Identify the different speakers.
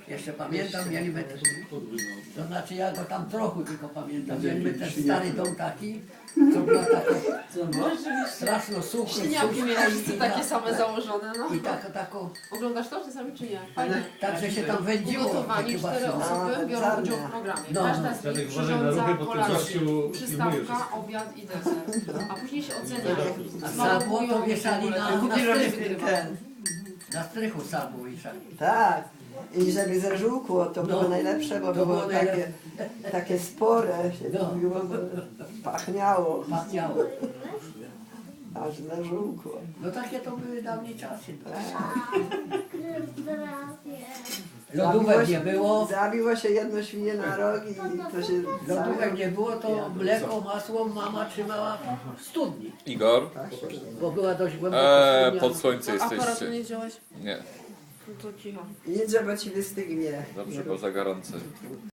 Speaker 1: Jeszcze pamiętam, mieliśmy, to znaczy ja go tam trochę tylko pamiętam, mieliśmy ten stary dom taki, co była taka straszno suchy,
Speaker 2: Śliniaki mieliście takie same założone, no.
Speaker 1: i taką,
Speaker 2: Oglądasz to czasami czy nie? Fajne.
Speaker 1: tak, że się tam wędziło.
Speaker 2: Ugotowani,
Speaker 1: takie
Speaker 2: 4
Speaker 1: właśnie.
Speaker 2: osoby biorą udział w programie.
Speaker 1: No.
Speaker 2: Każda z nich
Speaker 3: Uważaj na
Speaker 2: przyrządza
Speaker 3: ruchy, bo ty
Speaker 2: kolację,
Speaker 3: gościu filmujesz
Speaker 2: przystawka, obiad i deser. A później się ocenia.
Speaker 1: A sadło to wieszali na
Speaker 2: strychu
Speaker 1: strychu. Na strychu sadło wieszali.
Speaker 4: Tak. I żeby zażółkło, to było
Speaker 1: No.
Speaker 4: najlepsze, bo
Speaker 1: To
Speaker 4: było
Speaker 1: było
Speaker 4: takie spore, się
Speaker 1: No.
Speaker 4: mówiło, bo pachniało,
Speaker 1: Pachniało.
Speaker 4: aż zażółkło.
Speaker 1: No takie to były dawniej czasy.
Speaker 4: Zabiło
Speaker 1: Lodówek
Speaker 4: się-
Speaker 1: nie było.
Speaker 4: Zabiło się jedno świnie na rogi i to się
Speaker 1: Lodówek nie było, to mleko, masło mama trzymała w studni,
Speaker 5: Igor,
Speaker 1: bo była dość głęboko studnia.
Speaker 5: pod słońce
Speaker 2: Aparatu
Speaker 5: jesteście.
Speaker 2: nie wziąłeś?
Speaker 5: Nie,
Speaker 2: No to cicho.
Speaker 4: Idź, bo ci wystygnie.
Speaker 5: dobrze, bo za gorące.